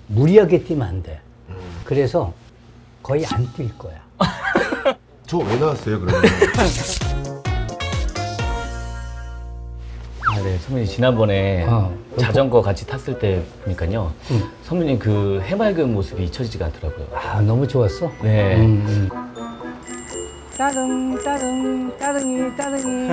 무리하게 뛰면 안 돼. 그래서 거의 안 뛸 거야. 저 왜 나왔어요, 그러면? 아, 네, 선배님 지난번에 자전거 같이 탔을 때 보니까요. 선배님 그 해맑은 모습이 잊혀지지가 않더라고요. 아, 너무 좋았어? 네. 따릉, 따릉, 따릉이, 따릉이,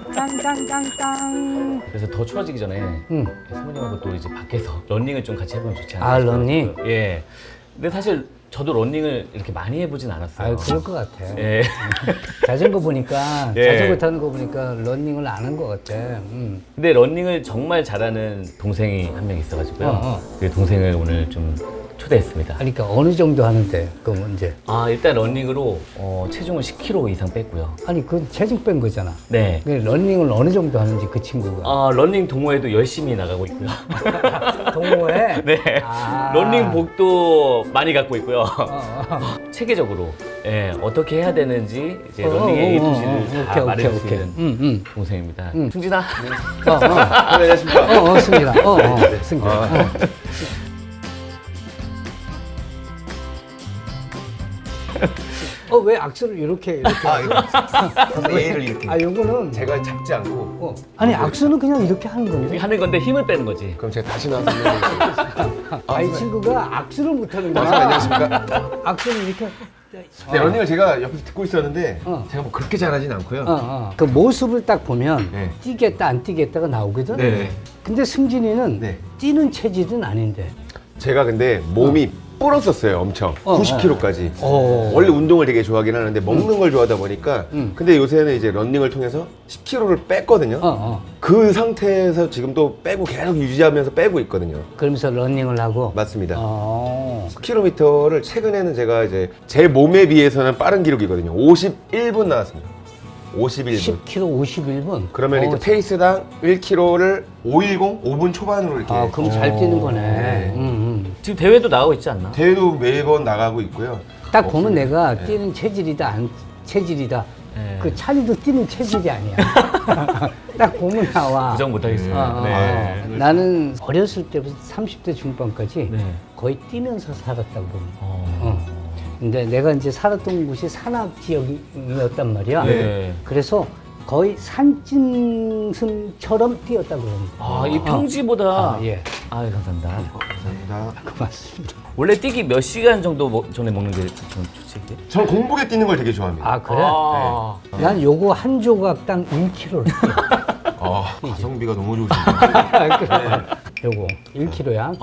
땅땅땅땅. 그래서 더 추워지기 전에 선배님하고 또 이제 밖에서 러닝을 좀 같이 해보면 좋지 않을까 아, 싶어요. 러닝? 예. 근데 사실 저도 러닝을 이렇게 많이 해보진 않았어요. 아, 그럴 것 같아. 예. 자전거 보니까, 예. 자전거 타는 거 보니까 러닝을 안 한 것 같아. 근데 러닝을 정말 잘하는 동생이 한 명 있어가지고요. 그 동생을 오늘 좀 초대했습니다. 그러니까 어느 정도 하는데, 그 문제. 아, 일단 러닝으로 체중을 10kg 이상 뺐고요. 아니, 그건 체중 뺀 거잖아. 네. 그 러닝을 어느 정도 하는지 그 친구가. 러닝 동호회도 열심히 나가고 있고요. 동호회? 네. 아. 러닝복도 많이 갖고 있고요. 체계적으로 어떻게 해야 되는지 이제 러닝의 A to G를 다 말해줄 수 있는 동생입니다. 승진아. 안녕하십니까. 승진아. 승진아. 왜 악수를 이렇게. 아, 이거. A를 이렇게. 아, 요거는. 제가 잡지 않고. 아니, 악수는 그냥 이렇게 하는 이렇게 건데. 하는 건데 힘을 빼는 거지. 그럼 제가 다시 나와서 설명드리겠습니다. 아, 이 친구가 악수를 못 하는 거야. 안녕하십니까. 악수는 이렇게. 네, 러닝을 제가 옆에서 듣고 있었는데 어. 제가 뭐 그렇게 잘하진 않고요. 그 모습을 딱 보면 네. 뛰겠다, 안 뛰겠다가 나오거든? 네. 근데 승진이는 네. 뛰는 체질은 아닌데. 제가 근데 몸이 불었었어요, 엄청. 90kg까지. 원래 운동을 되게 좋아하긴 하는데 먹는 걸 좋아하다 보니까 근데 요새는 이제 러닝을 통해서 10kg를 뺐거든요. 그 상태에서 지금 또 빼고 계속 유지하면서 빼고 있거든요. 그러면서 러닝을 하고. 맞습니다. 10km를 최근에는 제가 이제 제 몸에 비해서는 빠른 기록이거든요. 51분 나왔습니다. 51분. 10km 51분. 그러면 이제 페이스당 1km를 510, 5분 초반으로 이렇게. 아, 그럼 잘 뛰는 거네. 네. 지금 대회도 나가고 있지 않나? 대회도 매번 나가고 있고요. 딱 보면 내가 뛰는 체질이다, 안 체질이다. 네. 그 차리도 뛰는 체질이 아니야. 딱 보면 나와. 부정 못하겠습니다. 네. 나는 어렸을 때부터 30대 중반까지 네. 거의 뛰면서 살았다고 보면. 근데 내가 이제 살았던 곳이 산악 지역이었단 말이야. 네. 그래서 거의 산짐승처럼 뛰었다고 그럽니다. 아, 이 평지보다. 예. 아, 감사합니다. 감사합니다. 고맙습니다. 원래 뛰기 몇 시간 정도 전에 먹는 게 좀 좋지? 이게? 저는 공복에 뛰는 걸 되게 좋아합니다. 아, 그래? 아. 난 요거 한 조각당 1kg를 뛰어. 가성비가 너무 좋으신데. 그래. 요거 1kg야.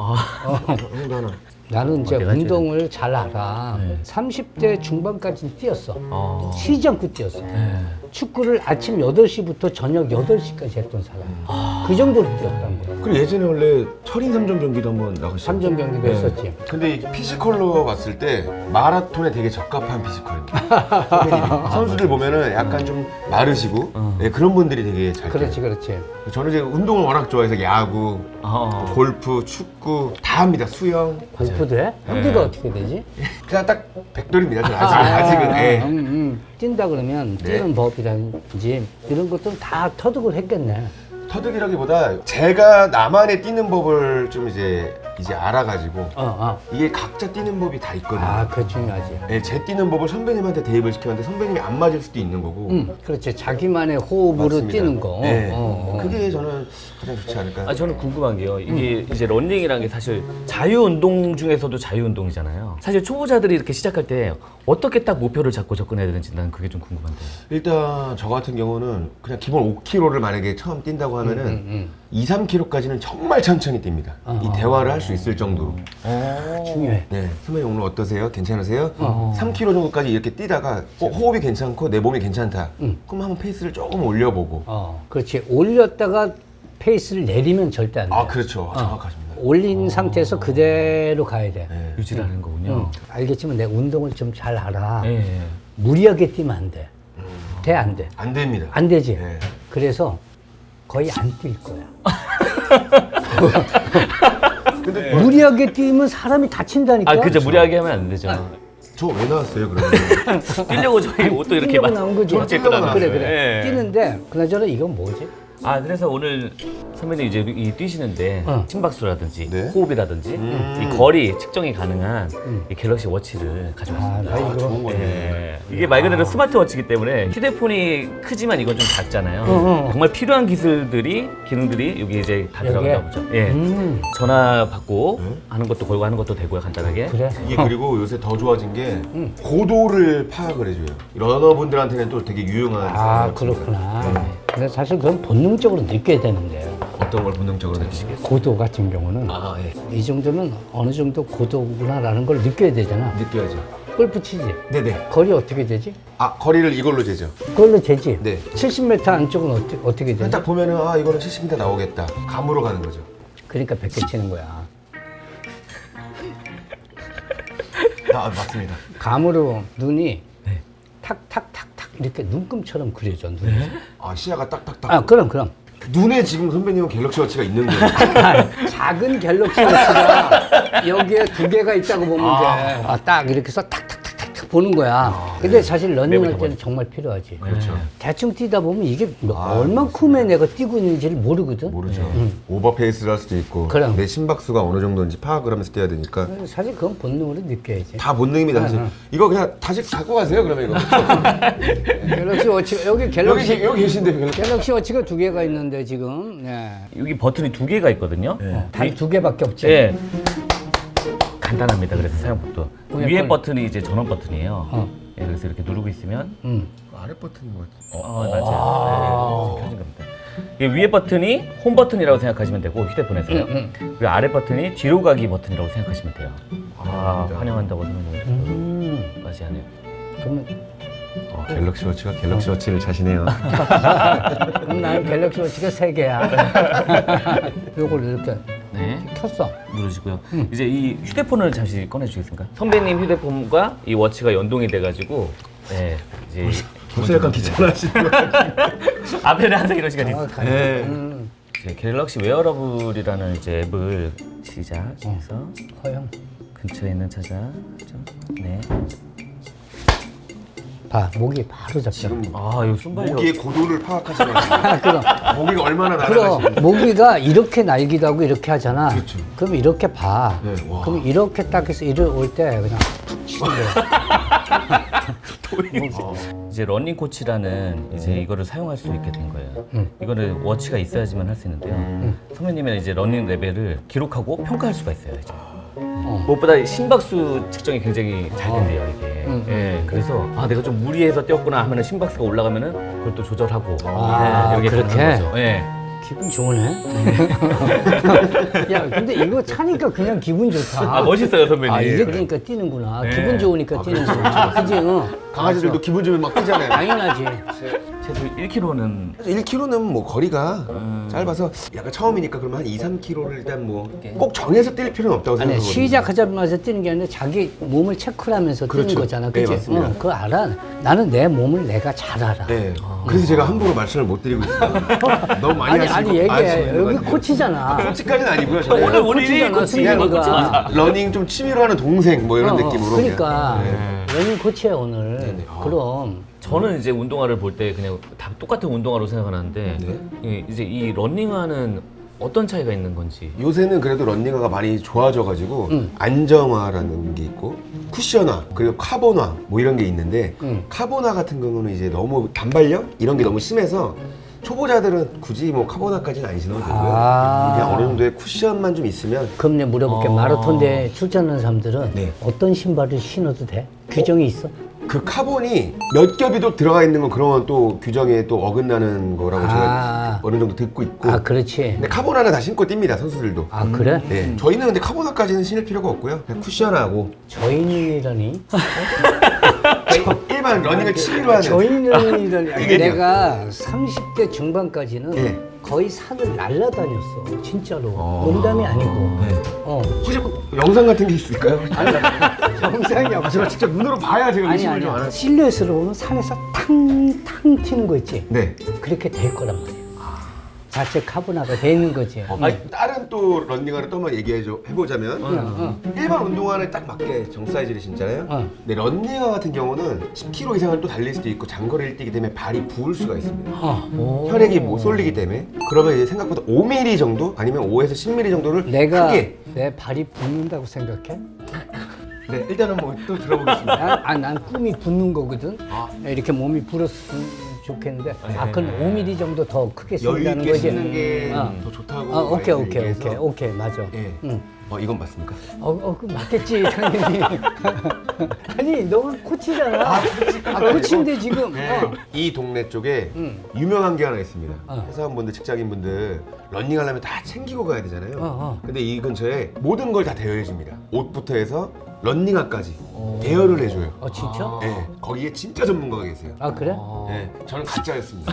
형도 하나. 나는 이제 내가 운동을 잘 알아. 네. 30대 중반까지 뛰었어. 아. 쉬지 않고 뛰었어. 네. 축구를 아침 8시부터 저녁 8시까지 했던 사람. 그 정도로 뛰었단 거야. 그리고 예전에 원래 철인 3점 경기도 한번 나가셨죠? 3점 경기도 했었지. 근데 이 피지컬로 봤을 때 마라톤에 되게 적합한 피지컬입니다. 선수들 보면은 약간 좀 마르시고 네, 그런 분들이 되게 잘 그렇지, 뛰어요. 그렇지. 저는 이제 운동을 워낙 좋아해서 야구, 아. 골프, 축구 다 합니다. 수영. 골프도 해? 형제가 어떻게 되지? 그냥 딱 백돌입니다. 저는 아직은. 예. 뛴다 그러면 네. 뛰는 법이라든지 이런 것들은 다 터득을 했겠네. 터득이라기보다 제가 나만의 뛰는 법을 좀 이제 알아가지고 이게 각자 뛰는 법이 다 있거든요. 아, 그거 중요하지. 네, 제 뛰는 법을 선배님한테 대입을 시켰는데 선배님이 안 맞을 수도 있는 거고. 그렇지. 자기만의 호흡으로 맞습니다. 뛰는 거. 네. 그게 저는 가장 좋지 않을까. 아, 저는 궁금한 게요. 이게 이제 러닝이라는 게 사실 자유운동 중에서도 자유운동이잖아요. 사실 초보자들이 이렇게 시작할 때 어떻게 딱 목표를 잡고 접근해야 되는지 난 그게 좀 궁금한데. 일단 저 같은 경우는 그냥 기본 5km를 만약에 처음 뛴다고 하면은 2, 3km까지는 정말 천천히 뜁니다. 이 대화를 할 수 있을 정도로. 중요해. 네, 선배님 오늘 어떠세요? 괜찮으세요? 3km 정도까지 이렇게 뛰다가 호흡이 괜찮고 내 몸이 괜찮다. 그럼 한번 페이스를 조금 올려보고. 그렇지. 올렸다가 페이스를 내리면 절대 안 돼. 아, 그렇죠. 정확하십니다. 올린 상태에서 그대로 가야 돼. 네. 유지를 하는 거군요. 알겠지만 내가 운동을 좀 잘 알아. 예. 무리하게 뛰면 안 돼. 돼, 안 돼? 안 됩니다. 안 되지. 네. 그래서 거의 안 뛸 거야. 근데 무리하게 뛰면 사람이 다친다니까. 아, 그죠. 무리하게 하면 안 되죠. 저 왜 나왔어요, 그러면? 뛰려고 저희 옷도 이렇게 뛰려고 막 나온 거지. 저렇게 입고 나왔어요. 그래. 예. 뛰는데 그나저나 이건 뭐지? 그래서 오늘 선배님 이제 이 뛰시는데 심박수라든지 네. 호흡이라든지 이 거리 측정이 가능한 이 갤럭시 워치를 가져왔습니다. 아, 좋은 거네. 예. 이게 말 그대로 스마트워치이기 때문에 휴대폰이 크지만 이건 좀 작잖아요. 정말 필요한 기능들이 여기 이제 다 들어가나 보죠. 예. 전화 받고 하는 것도 걸고 하는 것도 되고요, 간단하게. 그래. 이게 그리고 요새 더 좋아진 게 고도를 파악을 해줘요. 러너분들한테는 또 되게 유용한. 아, 그렇구나. 근데 사실 그건 본능적으로 느껴야 되는데요. 어떤 걸 본능적으로 느끼시겠어요? 고도 같은 경우는 아, 예. 이 정도면 어느 정도 고도구나라는 걸 느껴야 되잖아. 느껴야죠. 골프 치지? 네네. 거리 어떻게 되지? 아, 거리를 이걸로 재죠. 그걸로 재지? 네. 70m 안쪽은 어떻게 되지? 딱 보면은 아, 이거는 70m 나오겠다. 감으로 가는 거죠. 그러니까 100개 치는 거야. 아, 맞습니다. 감으로 눈이 탁탁탁탁 이렇게 눈금처럼 그려져. 눈이. 아, 시야가 딱딱딱. 아, 그럼. 눈에 지금 선배님은 갤럭시 워치가 있는데. 작은 갤럭시 워치가 여기에 2개가 있다고 보면 돼. 딱 이렇게 해서 탁탁탁탁 보는 거야. 근데 사실 러닝할 때는 정말 필요하지. 그렇죠. 대충 뛰다 보면 이게 얼만큼의 내가 뛰고 있는지를 모르거든. 모르죠. 오버페이스를 할 수도 있고. 그럼. 내 심박수가 어느 정도인지 파악을 하면서 뛰어야 되니까. 사실 그건 본능으로 느껴야지. 다 본능입니다, 사실. 이거 그냥 다시 갖고 가세요, 그러면 이거. 갤럭시 워치가 여기 여기 계신데. 갤럭시 워치가 2개가 있는데 지금 여기 버튼이 2개가 있거든요. 단 2개밖에 없지. 예. 간단합니다. 그래서 사용법도 그냥 위에 그걸- 버튼이 이제 전원 버튼이에요. 예, 그래서 이렇게 누르고 있으면 아래 버튼인 것 같아요. 맞아요. 네, 켜진 겁니다. 이 위에 버튼이 홈 버튼이라고 생각하시면 되고 휴대폰에서요. 그리고 아래 버튼이 뒤로 가기 버튼이라고 생각하시면 돼요. 환영한다고 생각을 맞이하네요. 그러면 갤럭시 워치가 갤럭시 워치를 자시네요. 그럼 나는 갤럭시 워치가 3개야. 요걸 이렇게 네. 켰어. 누르시고요. 이제 이 휴대폰을 잠시 꺼내주시겠습니까? 선배님 휴대폰과 이 워치가 연동이 돼가지고, 네, 이제 벌써 약간 귀찮아하시는 것 같아요. 앞에는 항상 이런 시간이 있어요. 정확하게. 네. 이제 갤럭시 웨어러블이라는 이제 앱을 시작해서 허용. 근처에 있는 찾아. 네. 봐, 목이 바로 잡혀. 지금 이거 순발력. 모기의 고도를 파악하시는 것 그럼. 모기가 얼마나 그럼 날아가시는지. 모기가 이렇게 날기도 하고 이렇게 하잖아. 그렇죠. 그럼 이렇게 봐. 네, 와. 그럼 이렇게 딱 해서 이리 올 때 그냥 치는 거야. 이제 러닝 코치라는 이제 이거를 사용할 수 있게 된 거예요. 이거는 워치가 있어야지만 할 수 있는데요. 선배님의 이제 러닝 레벨을 기록하고 평가할 수가 있어요. 이제. 무엇보다 심박수 측정이 굉장히 잘 된대요 이게. 예, 그래서 내가 좀 무리해서 뛰었구나 하면은 심박수가 올라가면은 그걸 또 조절하고 이렇게 그렇게? 가는 거죠. 예. 기분 좋으네. 야, 근데 이거 차니까 그냥 기분 좋다. 멋있어요 선배님. 이게 그러니까 뛰는구나. 네. 기분 좋으니까 뛰는 거지. 그지? 강아지들도 기분 좋으면 막 뛰잖아요. 당연하지. 최소 1km는 1km는 뭐 거리가 짧아서 약간 처음이니까 그러면 한 2, 3km를 일단 뭐 꼭 정해서 뛸 필요는 없다고 아니, 생각하거든요. 시작하자마자 뛰는 게 아니라 자기 몸을 체크를 하면서 뛰는 그렇죠. 거잖아. 네, 그치? 맞습니다. 그거 알아. 나는 내 몸을 내가 잘 알아. 네. 그래서 제가 함부로 말씀을 못 드리고 있어요. 너무 많이 아니, 얘기해. 아시는 것 여기 같아요. 코치잖아. 코치까지는 아니고요. 저는 오늘 코치잖아, 코치. 승민이가. 러닝 좀 취미로 하는 동생 뭐 이런 느낌으로. 그러니까 그냥. 러닝 코치야 오늘. 네네. 그럼 저는 이제 운동화를 볼 때 그냥 다 똑같은 운동화로 생각하는데 네. 이제 이 러닝화는 어떤 차이가 있는 건지. 요새는 그래도 런닝화가 많이 좋아져가지고 안정화라는 게 있고 쿠션화 그리고 카본화 뭐 이런 게 있는데 카본화 같은 경우는 이제 너무 단발력 이런 게 너무 심해서 초보자들은 굳이 뭐 카본화까지는 안 신어도 되고요. 그냥 어느 정도의 쿠션만 좀 있으면. 그럼 내가 물어볼게. 마라톤대에 출전하는 사람들은 네. 어떤 신발을 신어도 돼? 규정이 있어? 그 카본이 몇 겹이도 들어가 있는 건 그런 또 규정에 또 어긋나는 거라고 제가 어느 정도 듣고 있고. 그렇지. 근데 카본화는 다 신고 뜁니다 선수들도. 그래? 네. 저희는 근데 카본화까지는 신을 필요가 없고요. 그냥 쿠션하고 저인이라니? 일반 러닝을 취미로 하는. 저인이라니? 이게 내가 30대 중반까지는 네. 거의 산을 날라다녔어. 진짜로. 농담이 아니고. 네. 혹시 영상 같은 게 있을까요? 정상이 없어. 제가 직접 눈으로 봐야 제가 아니 의심을 좀 안 아니야. 하죠. 실루엣으로 보면 산에서 탕탕 튀는 거 있지? 네. 그렇게 될 거란 말이야. 자체 카보나가 돼 있는 거지. 아니, 다른 또 런닝화를 또 한번 해보자면 일반 운동화는 딱 맞게 정 사이즈를 신잖아요. 근데 런닝화 같은 경우는 10km 이상을 또 달릴 수도 있고 장거리를 뛰기 때문에 발이 부을 수가 있습니다. 혈액이 못 쏠리기 때문에 그러면 이제 생각보다 5mm 정도 아니면 5에서 10mm 정도를 내가 크게. 내 발이 붓는다고 생각해? 네, 일단은 뭐 또 들어보겠습니다. 난 꿈이 붓는 거거든. 이렇게 몸이 불었으면 좋겠는데, 그건 5mm 정도 더 크게 여유 쓴다는 있게 거지. 신는 게 더 좋다고. 오케이, 맞아. 예. 응. 이건 맞습니까? 그 맞겠지, 당연히. 아니, 너가 코치잖아. 코치인데 지금. 이 동네 쪽에 유명한 게 하나 있습니다. 회사원분들, 직장인분들 런닝하려면 다 챙기고 가야 되잖아요. 근데 이 근처에 모든 걸 다 대여해줍니다. 옷부터 해서 런닝화까지 대여를 해줘요. 진짜? 네, 거기에 진짜 전문가가 계세요. 그래? 네, 저는 가짜였습니다.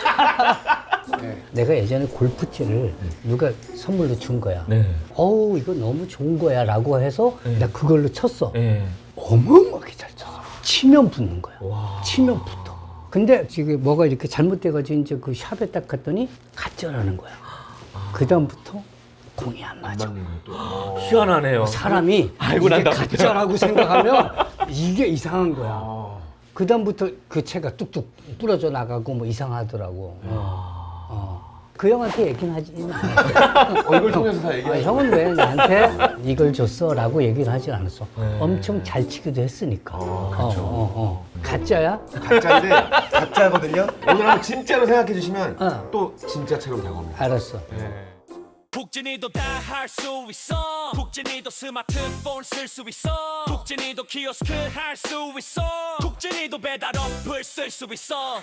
내가 예전에 골프채를 누가 선물로 준 거야. 네. 어우, 이거 너무 좋은 거야 라고 해서 나 그걸로 쳤어. 네. 어마어마하게 잘 쳤어. 치면 붙는 거야. 치면 붙어. 근데 지금 뭐가 이렇게 잘못돼가지고 이제 그 샵에 딱 갔더니 가짜라는 거야. 그다음부터 공이 안 맞아. 희한하네요. 사람이 알고 이게 난 다음부터. 가짜라고 생각하면 이게 이상한 거야. 그다음부터 그 채가 뚝뚝 부러져 나가고 뭐 이상하더라고. 그 형한테 얘기는 하지는 않았어. 이걸 통해서 다 얘기해요. 형은 왜 나한테 이걸 줬어? 라고 얘기를 하진 않았어. 엄청 잘 치기도 했으니까. 그렇죠. 가짜야? 가짜인데 가짜거든요. 오늘 한번 진짜로 생각해 주시면 또 진짜처럼 다가옵니다. 알았어. 북진이도 다 할 수 있어. 북진이도 스마트폰 쓸 수 있어. 북진이도 키오스크 할 수 있어. 북진이도 배달 어플 쓸 수 있어.